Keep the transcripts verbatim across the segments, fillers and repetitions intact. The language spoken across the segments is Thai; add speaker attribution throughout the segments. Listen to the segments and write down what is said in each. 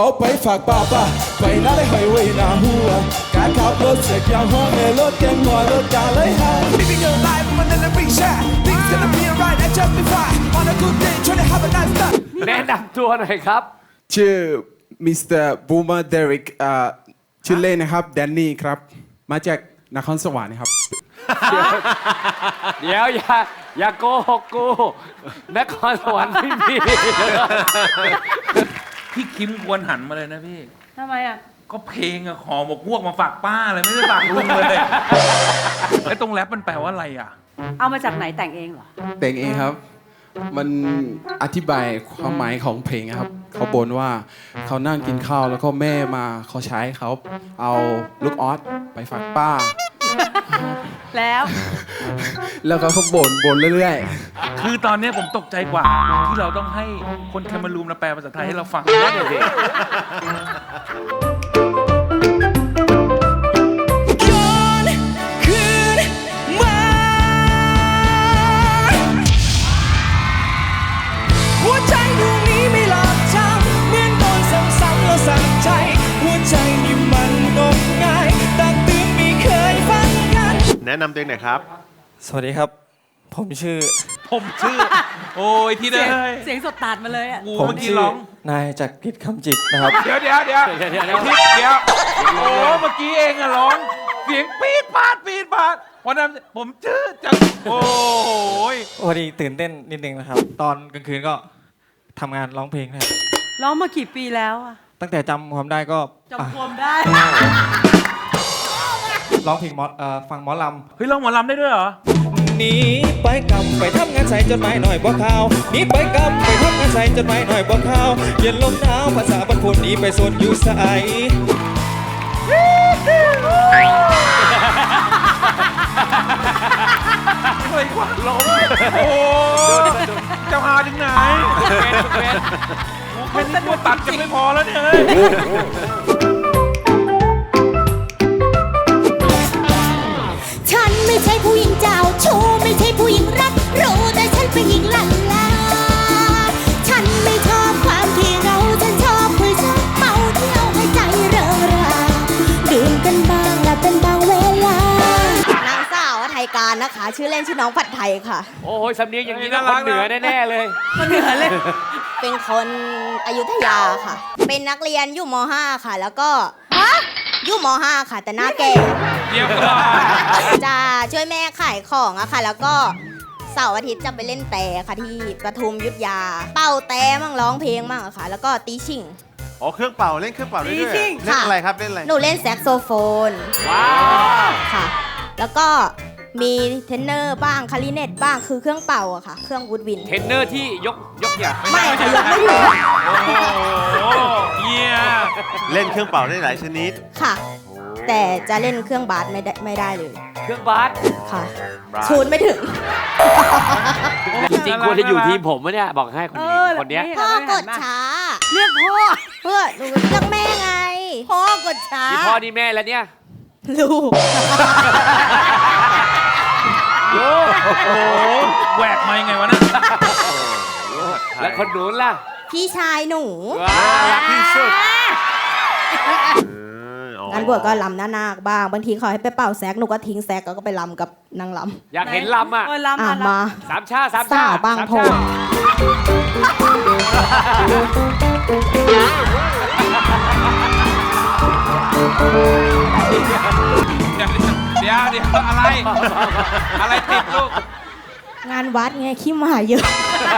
Speaker 1: ไปฝากป้าป้าไปน่าได้หอยไว้หน้าหัวการขับรถเสกยางห้องในรถแกงหัวรถกาเลยฮะ Living your life on an every shot Things gonna be alright and just be fine On a good day try to have a nice time
Speaker 2: แนะนำตัวหน่อยครับ
Speaker 1: ชื่อมิสเตอร์บูมเมอร์เดริกชื่อเล่นนะครับแดนนี่ครับมาจากนครสวรรค์ครับ
Speaker 2: เดี๋ยวอย่าอย่าโกหกกูนครสวรรค์ไม่มี
Speaker 3: พี่คิมควรหันมาเลยนะพี่
Speaker 4: ทำไมอ่ะ
Speaker 3: ก็เพลงอะขอหมกพวกมาฝากป้าเลยไม่ได้ฝากลุงเลยไอ้ตรงแรปมันแปลว่าอะไรอ่ะ
Speaker 4: เอามาจากไหนแต่งเองเหรอ
Speaker 1: แต่งเองครับ มันอธิบายความหมายของเพลงครับ เขาบ่นว่าเขานั่งกินข้าวแล้วก็แม่มาเขาใช้เขาเอาลูกออสไปฝากป้า
Speaker 4: แล้ว
Speaker 1: แล้วก็เขาบ่นบ่นเรื่อย
Speaker 3: คือตอนนี้ผมตกใจกว่า ที่เราต้องให้คนแคมารูมมาแปลภาษาไทยให้เราฟัง
Speaker 2: นั่นเลยสิ
Speaker 1: ย้อนคืนมาหัวใจดวงนี้ไม่หลอกจำเหมือนโดนซ้ำๆแล้วสั่นใจหัวใจนี่มันงมงายตักเตือนไม่เคยฟังกัน
Speaker 5: แนะนำตัวเองหน่อยครับ
Speaker 6: สวัสดีครับ ผมชื่อ
Speaker 3: ผมชื่อ โอ้ยที่เด้
Speaker 4: เสียง
Speaker 3: ย
Speaker 4: เสียงสดตัดมาเลยอ่ะ
Speaker 3: กู
Speaker 6: ผม
Speaker 3: เมื่อกี้
Speaker 6: ชื่อ
Speaker 3: ร้อง
Speaker 6: นายจักรพิษคำจิตนะครับ
Speaker 3: เดี๋ยวเดี๋ยวเดี๋ยว
Speaker 2: เดี๋ยวเดี๋ยวเดี๋ยว
Speaker 3: ทิพย์เดี๋ยวโอ้เมื่อกี้เองอะร้อง เสียงปี๊ดปาดปี๊ดปาดวันนั้นผมชื่อจังโอ้ย
Speaker 6: พอดีตื่นเต้นนิดนึงนะครับ ตอนกลางคืนก็ทำงานร้องเพลงนะครับ
Speaker 4: ร้องมากี่ปีแล้วอ่ะ
Speaker 6: ตั้งแต่จำความได้ก็
Speaker 4: จำความได้
Speaker 6: ร้องเพลงมอสเอ่อฟังหมอล
Speaker 3: เฮ้ยร้องหมอลำได้ด้วยเหรอ
Speaker 6: ำหนีไปกำไปทำงานใส่จดหมายหน่อยบ่ข่าวหนีไปกำไปทำงานใส่จดหมายหน่อยบ่ข่าวเย็นลมหนาวภาษาบรรพตหนีไปโซนอยู่ใส
Speaker 3: เฮ้ยว่าล้มโอ้เจ้าหาถึงไหนแค่นี้ตัวตัดจะไม่พอแล้วเนี่ยเฮ้ย
Speaker 7: ฉันไม่ใช่ผู้หญิงเจ้าชู้ไม่ใช่ผู้หญิงรักรู้แต่ฉันเป็นหญิงลันลาฉันไม่ชอบความที่เราฉันชอบผู้ชอบเมาเที่ยวให้ใจเริงราดื่มกันบ้างและเป็นบางเวลานางสาวไทยการนะคะ ชื่อเล่นชื่อน้องผัดไทยค่ะ
Speaker 2: โอ้ยสำเนียงอย่างนี้นะคนเหนือแน่ๆเลย
Speaker 4: คนเหนือเลย
Speaker 7: เป็นคนอยุธยาค่ะ เป็นนักเรียนอยู่ม .ห้า ค่ะ แล้วก็อยู่ม .ห้า ค่ะ แต่หน้าแก่
Speaker 3: เดี๋ยวก่อน
Speaker 7: จะช่วยแม่ขายของอะค่ะ แล้วก็เสาร์อาทิตย์จะไปเล่นแต่ค่ะที่ปทุมยุทธยา เป่าแต่มั่งร้องเพลงมั่งอะค่ะ แล้วก็ตีชิ่ง
Speaker 5: อ๋อ เครื่องเป่า เล่นเครื่องเป่าได้ด้วย
Speaker 4: จริง
Speaker 5: เล่นอะไรครับ เล่นอะไร
Speaker 7: หนูเล่นแซกโซโฟน
Speaker 2: ว้าว
Speaker 7: ค่ะ แล้วก็มีเทนเนอร์บ้างคาริเนตบ้างคือเครื่องเป่าอะค่ะ เครื่องวูดวิน
Speaker 2: เทรนเนอร์ที่ยกยกอย่าง
Speaker 7: ไม่ค่ะยังไม่ถึง
Speaker 3: โอ้โหเยี่ย
Speaker 5: เล่นเครื่องเป่าได้หลายชนิด
Speaker 7: ค่ะ แต่จะเล่นเครื่องบาสไม่ได้ไม่ได้เลย
Speaker 2: เครื่องบาส
Speaker 7: ค่ะ ชูนไม่ถึง
Speaker 2: จริงๆควรจะอยู่ทีมผมวะเนี่ยบอกให้คน
Speaker 4: เอ
Speaker 2: นี้
Speaker 4: อ
Speaker 2: คนเนี้ย
Speaker 7: พ่อกดช้า
Speaker 4: เรียกพ่อ
Speaker 7: เพื่อหนูเรียกแม่ไง พ่อกดช้า
Speaker 2: นี่พ่อนี่แม่แล้วเนี่ย
Speaker 7: ลูก
Speaker 2: โย
Speaker 3: โอ้โหแหวกมายังไงวะนะ
Speaker 2: แล้วคนนู้นล่ะ
Speaker 7: พี่ชายหนู
Speaker 2: ว้าว
Speaker 5: รักที่สุดเอออ๋อง
Speaker 7: านบวชก็ลำหน้านาคบ้าง บางทีเขาให้ไปเป่าแซกหนูก็ทิ้งแซกแล้วก็ไปลำกับนางล
Speaker 2: อยากเห็นลำอ่ะ
Speaker 4: เออ
Speaker 7: ำ
Speaker 4: ลำ
Speaker 7: อ่ะ
Speaker 4: อ่ะ
Speaker 7: มา
Speaker 2: สามชาติสาม
Speaker 7: สา
Speaker 2: ชาว ติ
Speaker 7: บาง
Speaker 2: สม
Speaker 7: โพ
Speaker 2: ชาติ
Speaker 3: เดี๋ยวเดี๋ยวอะไร อะไรติดลูก
Speaker 7: งานวัดไงขี้หมาเยอะ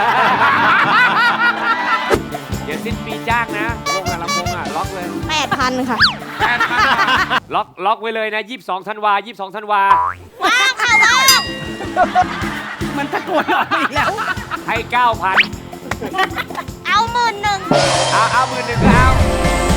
Speaker 2: เดี๋ยวสิ้นปีจ้างนะวงอะลำวงอะล็อกเลย
Speaker 7: แปดพันค่ะ
Speaker 2: ล็อกล็อกไว้เลยนะยี่สิบสองธันวายี่สิบสองธันวา
Speaker 7: ว้าวค่ะว้าว
Speaker 4: มันตะโกนออกมาอีกแล้ว
Speaker 2: ให้เก้าพัน
Speaker 7: เอาหมื่นหนึ่ง
Speaker 2: เอาเอาหมื่นหนึ่งก็เอา